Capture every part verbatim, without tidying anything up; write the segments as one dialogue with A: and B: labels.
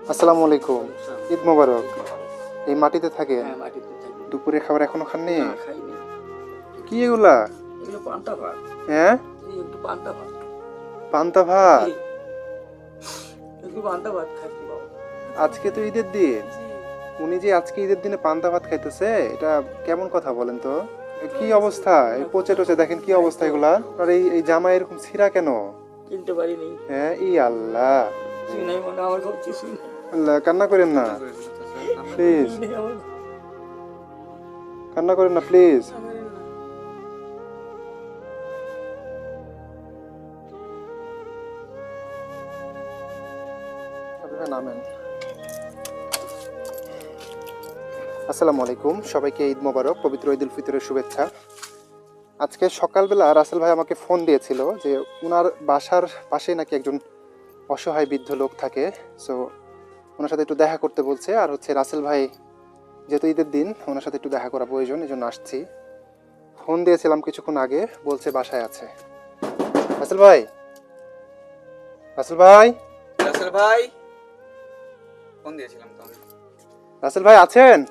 A: আসসালামু আলাইকুম। ঈদ মোবারক। এই মাটিতে থাকেন?
B: হ্যাঁ, মাটিতে থাকি।
A: দুপুরের খাবার এখনো খাননি?
B: না, খাইনি।
A: কি এগুলা?
B: এগুলো পান্তা ভাত।
A: হ্যাঁ,
B: জি, একটু পান্তা ভাত।
A: পান্তা ভাত?
B: জি, একটু পান্তা ভাত খাইছি বাবা।
A: আজকে তো ঈদের দিন।
B: জি।
A: উনি যে আজকে ঈদের দিনে পান্তা ভাত খাইতেছে, এটা কেমন কথা বলেন তো? এ কি অবস্থা? এই পচে টচে দেখেন কি অবস্থা এগুলা। আর এই এই জামা এরকম ছিঁড়া কেন?
B: কিনতে পারিনি।
A: হ্যাঁ, ই আল্লাহ।
B: কিছুই নাই মনে, আমার খুব কিছুই নেই।
A: আল্লাহ, কান্না করেন না প্লিজ।
B: কিছুই নেই আমার।
A: কান্না করেন না প্লিজ।
B: আমাদের না।
A: আপনারা নামেন। আসসালামু আলাইকুম, সবাইকে ঈদ মোবারক, পবিত্র ঈদ উল ফিতরের শুভেচ্ছা। আজকে সকালবেলা রাসেল ভাই আমাকে ফোন দিয়েছিল যে ওনার বাসার পাশেই নাকি একজন অসহায় বৃদ্ধ লোক থাকে। সো ওনার সাথে একটু দেখা করতে বলছে, আর হচ্ছে রাসেল ভাই যেহেতু ঈদের দিন ওনার সাথে একটু দেখা করা প্রয়োজন, এই জন্য আসছি। ফোন দিয়েছিলাম কিছুক্ষণ আগে, বলছে বাসায় আছে। রাসেল ভাই, রাসেল ভাই,
C: রাসেল ভাই, ফোন দিয়েছিলাম তো আমি।
A: রাসেল ভাই আছেন?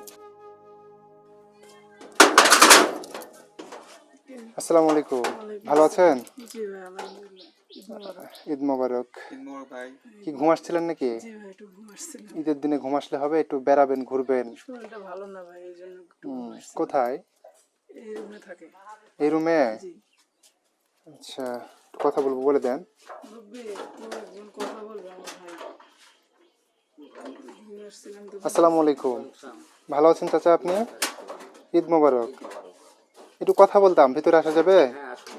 A: আসসালামু আলাইকুম, ভালো আছেন?
D: জি ভাই, আলহামদুলিল্লাহ। ঈদ মোবারক।
A: ঈদ মোবারক।
C: ঈদ মোবারক ভাই।
A: কি ঘুম আসছিলেন নাকি?
D: জি ভাই, একটু ঘুম আসছিল।
A: ঈদের দিনে ঘুম আসলে হবে? একটু বেড়াবেন, ঘুরবেন।
D: শরীরটা ভালো না ভাই, এই জন্য একটু ঘুম
A: হুম,
D: আসছিল।
A: কোথায়?
D: এই রুমে থাকে।
A: এই রুমে?
D: জি।
A: আচ্ছা, একটু কথা বলবো, বলে দেন।
D: রব্বি, কেউ একজন কথা বলবে আমার ভাই। ঘুমিয়ে আসছিলাম তো।
A: আসসালামু আলাইকুম, ভালো আছেন চাচা আপনি? ঈদ মোবারক। একটু কথা বলতাম, ভিতরে আসা যাবে?
B: হ্যাঁ, আসুন।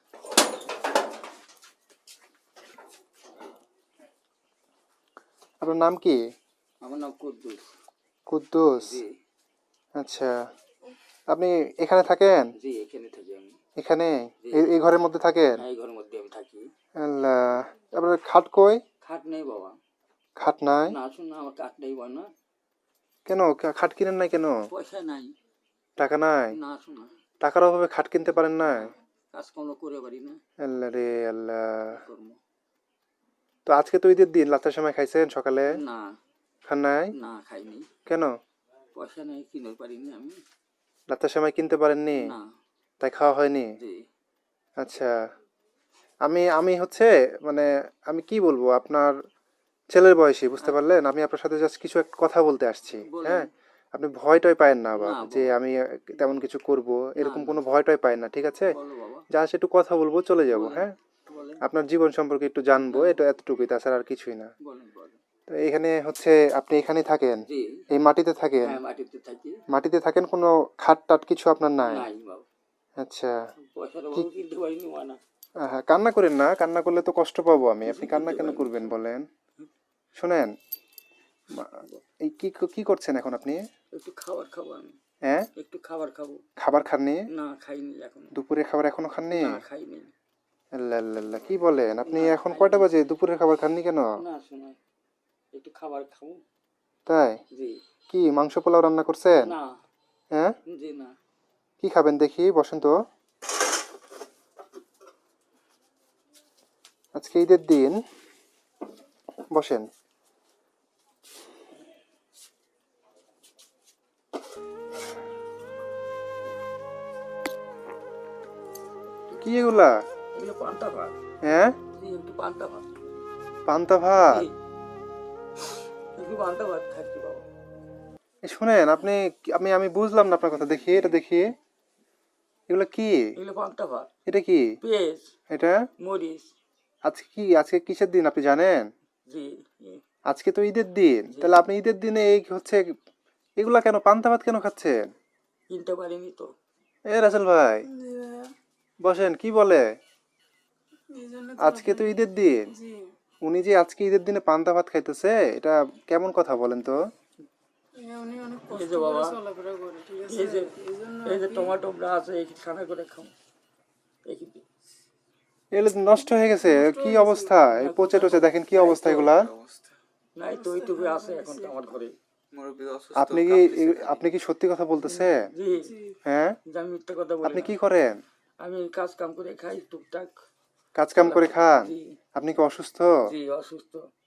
A: আপনার নাম কি?
B: আমার নাম কুদ্দুস।
A: কুদ্দুস?
B: জি,
A: আচ্ছা, আপনি এখানে থাকেন?
B: জি, এখানে থাকি আমি।
A: এখানে এই এই ঘরের মধ্যে থাকেন?
B: হ্যাঁ, এই ঘরের মধ্যে আমি থাকি।
A: আল্লাহ, আপনার খাট কই?
B: খাট নেই বাবা।
A: খাট নাই?
B: না, আসুন না, আমার কাঠ নেই বা না।
A: কেন, কা- খাট কিনেন নাই কেন?
B: পয়সা নাই।
A: টাকা নাই?
B: না, আসুন না।
A: টাকার অভাবে খাট কিনতে পারেন না?
B: কাজকর্ম করে পারি না।
A: আল্লাহ রে আল্লাহ।
B: কর্ম।
A: তো আজকে তো ঈদের দিন, রাতের সময় খাইছেন? সকালে
B: না,
A: খান নাই?
B: না খাইনি।
A: কেন?
B: পয়সা নেই, কিনে পারিনি আমি।
A: রাতের সময় কিনতে পারেননি,
B: না।
A: তাই খাওয়া হয়নি?
B: জি।
A: আচ্ছা, আমি আমি হচ্ছে মানে আমি কি বলবো, আপনার ছেলের বয়সী, বুঝতে পারলেন? আমি আপনার সাথে জাস্ট কিছু একটা কথা বলতে আসছি।
B: বলেন।
A: হ্যাঁ, আপনি ভয় টয় পায়েন না আবার
B: না
A: যে
B: বাবা।
A: আমি তেমন কিছু করব, এরকম
B: না।
A: কোনো ভয় টয় পায়েন না, ঠিক আছে?
B: বলো বাবা।
A: জাস্ট একটু কথা বলবো, চলে যাব।
B: বলেন।
A: হ্যাঁ,
B: বলেন।
A: আপনার জীবন সম্পর্কে একটু জানবো,
B: হ্যাঁ।
A: এটা এতটুকুই, তাছাড়া আর কিছুই না।
B: বলেন, বলেন।
A: তো এখানে হচ্ছে আপনি এখানেই থাকেন?
B: জি।
A: এই মাটিতে থাকেন?
B: হ্যাঁ, মাটিতে থাকি।
A: মাটিতে থাকেন, কোনো খাট টাট কিছু আপনার নাই?
B: নাই বাবা।
A: আচ্ছা,
B: পয়সার
A: কি?
B: অভাবে কিনতে পারিনি মানা।
A: হ্যাঁ, কান্না করেন না, কান্না করলে তো কষ্ট পাবো আমি। আপনি কান্না কেন করবেন বলেন? শুনেন, মা- এই কি কি করছেন এখন আপনি?
B: একটু খাবার খাবো আমি।
A: হ্যাঁ,
B: একটু খাবার খাবো।
A: খাবার খাননি?
B: না, খাইনি এখন।
A: দুপুরের খাবার এখনো খাননি?
B: না, খাইনি।
A: আল্লাহ আল্লাহ আল্লাহ, কি বলেন আপনি?
B: না,
A: এখন
B: খাইনি।
A: কয়টা বাজে? দুপুরের খাবার খাননি কেন?
B: না, শোনা, একটু খাবার খাবো।
A: তাই?
B: জি।
A: কি মাংস পোলাও রান্না করছেন?
B: না।
A: হ্যাঁ,
B: জি না।
A: কি খাবেন দেখি, বসেন তো। আজকে ঈদের দিন, বসেন। কি এগুলা?
B: এগুলো পান্তা ভাত।
A: হ্যাঁ,
B: জি, একটু পান্তা ভাত।
A: পান্তা ভাত?
B: জি, একটু পান্তা ভাত খাচ্ছি বাবা।
A: এই শুনেন, আপনি আমি আমি বুঝলাম না আপনার কথা। দেখি এটা, দেখি এগুলা কি?
B: এগুলো পান্তা ভাত।
A: এটা কি?
B: পেঁয়াজ,
A: এটা
B: মরিচ।
A: আজকে কি, আজকে কিসের দিন আপনি জানেন?
B: জি।
A: আজকে তো ঈদের দিন,
B: জি।
A: তাহলে আপনি ঈদের দিনে এই হচ্ছে এগুলা কেন, পান্তা ভাত কেন খাচ্ছেন?
B: কিনতে পারিনি তো।
A: এ রাসেল ভাই,
D: জি ভাইয়া,
A: বসেন। কি বলে?
D: এই জন্য তো
A: আজকে তো
D: আপনাকে-
A: ঈদের দিন,
D: জি।
A: উনি যে আজকে ঈদের দিনে পান্তা ভাত খাইতেছে, এটা কেমন কথা বলেন তো?
D: এ উনি অনেক
B: এই
D: কষ্ট
B: যে
D: করে
B: বাবা,
D: চলাফেরা করে, ঠিক আছে?
B: এই যে
D: এই জন্য
B: এই যে
D: আর কি।
B: টমেটো আছে, এই খানা করে খাও। এই কি?
A: এগুলো তো নষ্ট হয়ে গেছে,
D: নষ্ট
A: কি
D: হয়ে গেছে
A: অবস্থা! এই
B: না,
A: পচে
B: কোথায়
A: টচে
B: পাবো?
A: দেখেন কি
B: নাই
A: অবস্থা
B: তো।
A: এগুলা।
C: কি অবস্থা?
B: নাই তো, ওইটুকু আছে এখন তো আমার ঘরে।
C: মুরব্বি অসুস্থ,
A: আপনি কি
C: কাঁপতেছে খালি।
A: আপনি কি সত্যি কথা বলতেছেন?
B: জি।
D: জি।
A: হ্যাঁ,
B: যে আমি মিথ্যা কথা বলি
A: আপনি
B: না।
A: কি করেন?
B: আমি কাজ কাম করে খাই টুকটাক।
A: কাজ কাম করে খান?
B: জি।
A: আপনি কি অসুস্থ?
B: জি, অসুস্থ।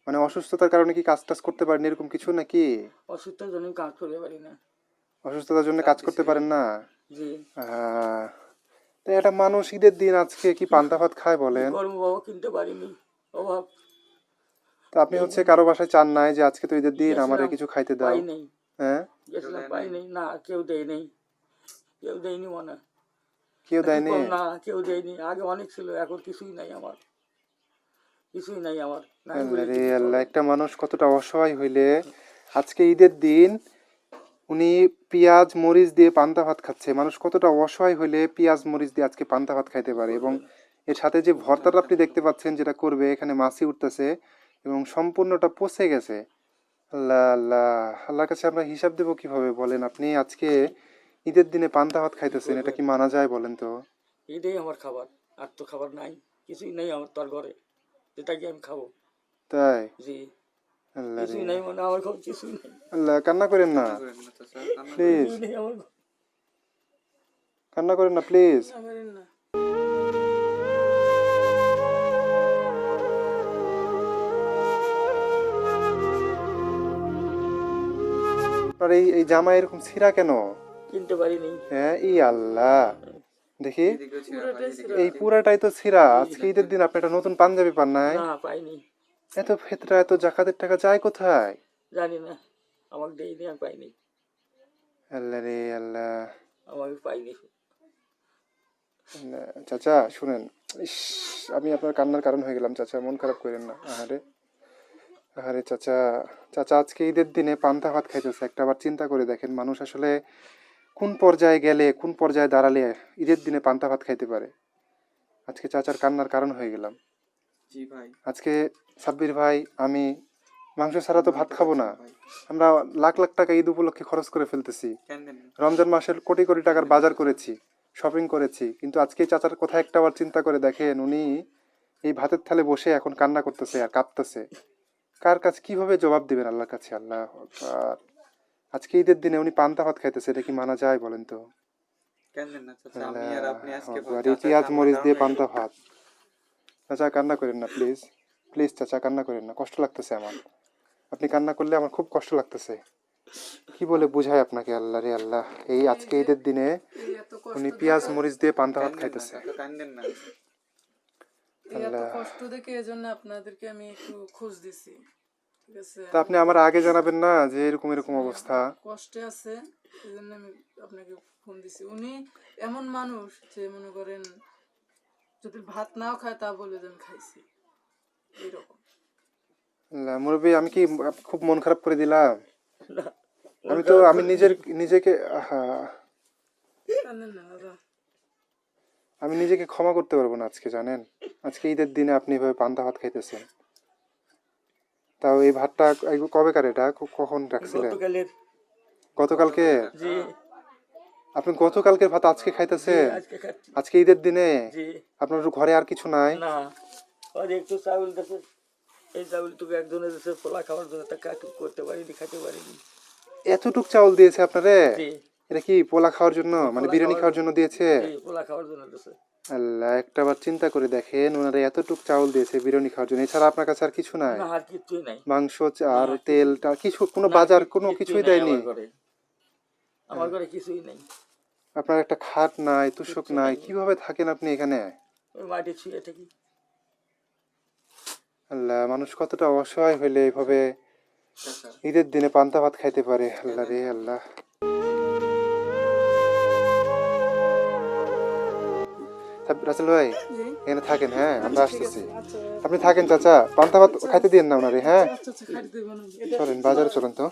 A: মানে অসুস্থতার কারণে কি কাজ টাজ করতে পারেন এরকম কিছু নাকি?
B: অসুস্থতার জন্য কাজ করতে পারি না।
A: অসুস্থতার জন্য কাজ করতে পারেন না?
B: জি।
A: আহ, তো একটা মানুষ ঈদের দিন আজকে কি পান্তা ভাত খায় বলেন?
B: গরম বাবা কিনতে পারিনি, অভাব।
A: তো আপনি হচ্ছে কারো বাসায় চান নাই যে আজকে তো ঈদের দিন আমারে
B: গেছিলাম,
A: কিছু খাইতে দাও?
B: পাই নাই।
A: হ্যাঁ,
B: গেছিলাম, পাই নাই। না, কেউ দেয় নাই, কেউ দেয়নি মনে হয়।
A: কেউ
B: নাকি
A: দেয়নি?
B: কম, না কেউ দেয়নি। আগে অনেক ছিল, এখন কিছুই নাই আমার, কিছুই নাই আমার। নাই
A: আল্লাহ
B: বলে
A: রে
B: কিছু
A: আল্লাহ,
B: চলে।
A: একটা মানুষ কতটা অসহায় হইলে আজকে ঈদের দিন উনি পেঁয়াজ মরিচ দিয়ে পান্তা ভাত খাচ্ছে। মানুষ কতটা অসহায় হইলে পেঁয়াজ মরিচ দিয়ে আজকে পান্তা ভাত খাইতে পারে। এবং এর সাথে যে ভর্তাটা আপনি দেখতে পাচ্ছেন যেটা করবে, এখানে মাছি উঠতেছে এবং সম্পূর্ণটা পচে গেছে। আল্লাহ আল্লাহ, আল্লাহর কাছে আমরা হিসাব দেবো কিভাবে বলেন? আপনি আজকে ঈদের দিনে পান্তা ভাত খাইতেছেন, এটা কি মানা যায় বলেন তো?
B: এটাই আমার খাবার, আর তো খাবার নাই, কিছুই নাই আমার তোর ঘরে, যেটা কি আমি খাবো।
A: তাই?
B: জি।
A: আল্লাহ রে
B: কিছুই নাই মানে আমার ঘরে, কিছুই নাই,
A: আল্লাহ, কান্না করেন না
C: করেন না চাচা, কান্না
A: প্লিজ,
B: কিছুই নেই আমার ঘরে।
A: কান্না করেন না প্লিজ।
D: না পারেন না।
A: আপনার এই এই জামা এরকম ছিঁড়া কেন?
B: কিনতে পারিনি।
A: হ্যাঁ, ই আল্লাহ, দেখি
C: এদিকেও ছিল,
D: পুরোটাই
C: এদিকে।
D: ছিল।
A: এই পুরাটাই তো ছিঁড়া। আজকে ঈদের দিন আপনি একটা নতুন পাঞ্জাবি পান নাই?
B: না, পাইনি।
A: এত ফেতরা, এত জাকাতের টাকা যায় কোথায়?
B: জানি না, আমাকে দেয়নি, আমি পাইনি,
A: আল্লাহ রে আল্লাহ।
B: আমাকে পাইনি।
A: আল্লাহ, চাচা শুনেন, ইস, আমি আপনার কান্নার কারণ হয়ে গেলাম চাচা, মন খারাপ করেন না। আহারে আহারে চাচা, চাচা আজকে ঈদের দিনে পান্তা ভাত খাইতেছে। একটা আবার চিন্তা করে দেখেন, মানুষ আসলে কোন পর্যায়ে গেলে, কোন পর্যায়ে দাঁড়ালে ঈদের দিনে পান্তা ভাত খাইতে পারে। আজকে চাচার কান্নার কারণ হয়ে গেলাম।
C: জি ভাই।
A: আজকে সাব্বির ভাই, আমি মাংস ছাড়া তো ভাত খাবো না।
C: ভাই,
A: আমরা লাখ লাখ টাকা ঈদ উপলক্ষে খরচ করে ফেলতেছি।
C: কেন দেন না?
A: রমজান মাসের কোটি কোটি টাকার বাজার করেছি, শপিং করেছি, কিন্তু আজকে চাচার কথা একটা আবার চিন্তা করে দেখেন, উনি এই ভাতের থালে বসে এখন কান্না করতেছে আর কাঁদতেছে। কার কাছে কিভাবে জবাব দিবেন আল্লাহর কাছে? আল্লাহ আকবার। আজকে ঈদের দিনে উনি পান্তা ভাত খাইতেছে, এটা কি মানা যায় বলেন তো?
C: কেন দেন না চাচা, আমি আর আপনি আজকে
A: আকবার, এই
C: চাচার
A: পেঁয়াজ
C: কান্নার
A: মরিচ
C: কারণ
A: দিয়ে
C: হয়ে
A: পান্তা
C: গেলাম।
A: ভাত। চাচা কান্না করেন না প্লিজ, প্লিজ চাচা কান্না করেন না, কষ্ট লাগতেছে আমার। আপনি কান্না করলে আমার খুব কষ্ট লাগতেছে। কি বলে বুঝায় আপনাকে? আল্লাহ রে আল্লাহ, এই আজকে ঈদের দিনে
D: এই এত কষ্ট
A: উনি
D: দেখে,
A: পেঁয়াজ মরিচ দিয়ে পান্তা ভাত
C: কান দেন না
A: খাইতেছে।
C: চাচা, কান দেন না।
D: এই এত
A: আল্লাহ।
D: কষ্ট দেখে এজন্য আপনাদেরকে আমি একটু খোঁজ দিছি। ঠিক আছে,
A: তা আপনি আমার আগে জানাবেন না যে এরকম এরকম অবস্থা?
D: কষ্টে আছে, এই জন্য আমি আপনাকে ফোন দিছি। উনি এমন মানুষ যে মনে করেন যদি ভাত নাও খায় তা বলে যেন খাইছি, এইরকম।
A: আল্লাহ, মুরব্বী আমি কি খুব মন খারাপ করে দিলাম?
B: না,
A: আমি তো আমি নিজের নিজেকে আহা,
D: কান্দেন না দাদা।
A: আমি নিজেকে ক্ষমা করতে পারবো না আজকে, জানেন? আজকে ঈদের দিনে আপনি এভাবে পান্তা ভাত খাইতেছেন। তাও এই ভাতটা এই কবেকার, এটা ক- কখন রাখছিলেন?
B: গতকালের।
A: গতকালকে?
B: জি।
A: আপনি গতকালকের ভাত আজকে
B: জি,
A: খাইতেছেন?
B: আজকে খাচ্ছি।
A: আজকে ঈদের দিনে
B: জি।
A: আপনার ঘরে আর কিছু নাই?
B: না, আর একটু চাউল দেশে, এই চাউল টুকু একজনের দেশে পোলা খাওয়ার জন্য তা কাটু করতে পারিনি, খাইতে পারিনি।
A: এতটুক চাউল দিয়েছে আপনারে?
B: জি।
A: এটা কি পোলা খাওয়ার জন্য, মানে
B: পোলা
A: বিরিয়ানি খাওয়ার
B: জন্য।
A: জন্য দিয়েছে?
B: জি, পোলা খাওয়ার জন্য দেশে।
A: আল্লাহ, একটা বার চিন্তা করে দেখেন, ওনারা এতটুক চাউল দিয়েছে বিরিয়ানি খাওয়ার জন্য, এছাড়া আপনার কাছে আর কিছু নাই?
B: না, আর কিচ্ছুই নাই।
A: মাংস আর
B: না,
A: তেল
B: কিছু-
A: টা কিছু, কোনো
B: না,
A: বাজার
B: কি-
A: কোনো
B: কিচ্ছুই
A: কিছুই
B: নাই
A: দেয়নি?
B: আমার ঘরে। আমার ঘরে কিছুই নাই,
A: আপনার একটা খাট নাই, তুষক
B: কিচ্ছু
A: নাই,
B: নাই।
A: কিভাবে থাকেন আপনি এখানে?
B: ওই মাটি ছুঁয়ে থাকি।
A: আল্লাহ, মানুষ কতটা অসহায় হইলে এইভাবে
C: চাচা,
A: ঈদের দিনে পান্তা ভাত খাইতে পারে? আল্লাহ রে আল্লাহ। সাব- রাসেল ভাই
D: জি,
A: এখানে থাকেন, হ্যাঁ আমরা
D: ঠিক
A: আসতেছি।
D: আছে, আচ্ছা
A: আপনি থাকেন চাচা, পান্তা ভাত খাইতে দিন না ওনারে, হ্যাঁ?
D: আচ্ছা আচ্ছা, খাইতে দেবো না। এটা
A: চলেন বাজারে চলেন তো।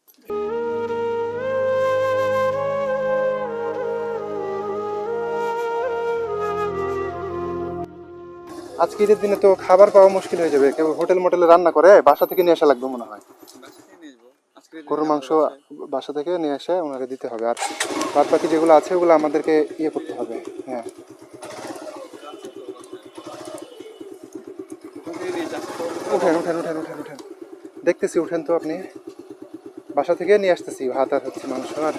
A: আজকে ঈদের দিনে তো খাবার পাওয়া মুশকিল হয়ে যাবে, কেউ হোটেল মোটেলে রান্না করে বাসা থেকে নিয়ে আসা লাগবে মনে হয়।
C: বাসা থেকে নিয়ে আসবো আজকে
A: গরুর মাংস বাসা থেকে নিয়ে এসে ওনাকে দিতে হবে, আর বাদ বাকি যেগুলো আছে ওগুলো আমাদেরকে ইয়ে করতে হবে। হ্যাঁ, উঠেন উঠেন উঠেন উঠেন উঠেন, দেখতেছি, উঠেন তো আপনি। বাসা থেকে নিয়ে আসতেছি ভাত আর হচ্ছে মাংস। আর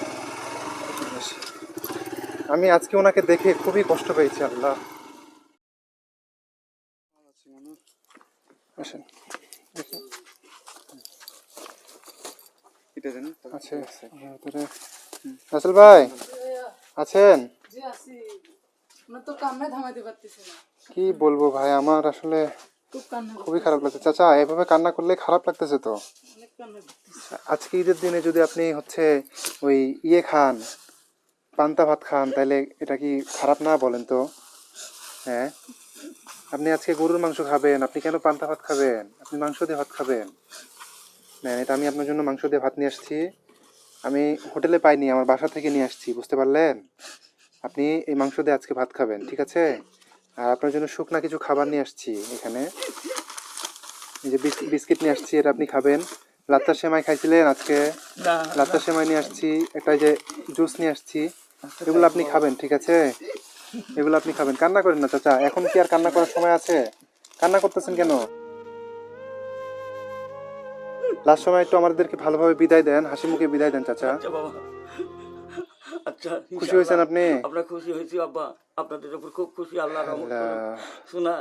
A: আমি আজকে ওনাকে দেখে খুবই কষ্ট পেয়েছি। আল্লাহ, আসেন দেখি।
C: কেটে দেন তো।
A: আছে ভিতরে। রাসেল ভাই আছেন?
D: জি আছি। আপনার তো কান্নায় থামাইতে পারতেছি না,
A: কি বলবো ভাই, আমার আসলে
D: খুব কান্না
A: খুবই
D: করতেছে,
A: খারাপ লাগছে। চাচা এভাবে কান্না করলে খারাপ লাগতেছে তো।
D: অনেক কান্না করতেছে।
A: আজকে ঈদের দিনে যদি আপনি হচ্ছে ওই ইয়ে খান, পান্তা ভাত খান, তাহলে এটা কি খারাপ না বলেন তো? হ্যাঁ, আপনি আজকে গরুর মাংস খাবেন, আপনি কেন পান্তা ভাত খাবেন? আপনি মাংস দিয়ে ভাত খাবেন। না, এটা আমি আপনার জন্য মাংস দিয়ে ভাত নিয়ে আসছি। আমি হোটেলে পাইনি, আমার বাসা থেকে নিয়ে আসছি, বুঝতে পারলেন? আপনি এই মাংস দিয়ে আজকে ভাত খাবেন, ঠিক আছে? আর আপনার জন্য শুকনা কিছু খাবার নিয়ে আসছি এখানে। এই যে বিস- বিস্কিট নিয়ে আসছি, এটা আপনি খাবেন। লাচ্চা সেমাই খাইছিলেন আজকে,
B: না
A: লাচ্চা সেমাই নিয়ে আসছি। একটা এই যে জুস নিয়ে আসছি, এগুলো আপনি খাবেন, ঠিক আছে? এগুলো আপনি খাবেন। কান্না করেন না চাচা, এখন কি আর কান্না করার সময় আছে? কান্না করতেছেন কেন? লাস্ট সময় একটু আমাদেরকে ভালোভাবে বিদায় দেন, হাসি মুখে বিদায় দেন চাচা।
B: আচ্ছা বাবা, আচ্ছা
A: খুশি হয়েছেন
B: ইনশাআল্লাহ।
A: আপনি?
B: আমরা খুশি হয়েছি আব্বা, আপনাদের উপর খুব খুশি, আল্লাহ রহমত করুন।
A: আল্লাহ।
B: শোনা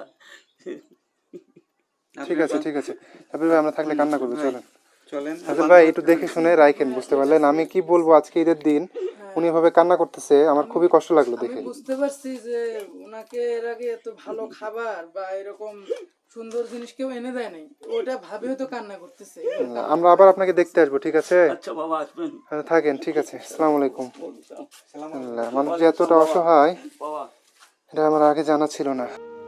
A: ঠিক আছে ঠিক আছে, সাবির ভাই আমরা থাকলে কান্না করবো, চলেন।
C: চলেন।
A: হাসান ভাই একটু দেখে শুনে রাখেন, বুঝতে পারলেন? আমি কি বলবো, আজকে ঈদের দিন উনি এভাবে কান্না করতেছে, আমার খুবই কষ্ট লাগলো
D: আমি
A: দেখে।
D: বুঝতে পারছি যে ওনাকে এর আগে এত ভালো খাবার বা এরকম সুন্দর জিনিস কেউ এনে দেয় নাই, ওটা ভাবে হয়তো কান্না করতেছে।
A: আমরা আবার আপনাকে দেখতে আসবো, ঠিক আছে?
B: আচ্ছা বাবা আসবেন।
A: হ্যাঁ, থাকেন, ঠিক আছে। আসসালামু আলাইকুম।
B: ওয়ালাইকুম আসসালাম।
A: আল্লাহ, মানুষ যে এতটা অসহায়
B: বাবা
A: এটা আমার আগে জানা ছিল না।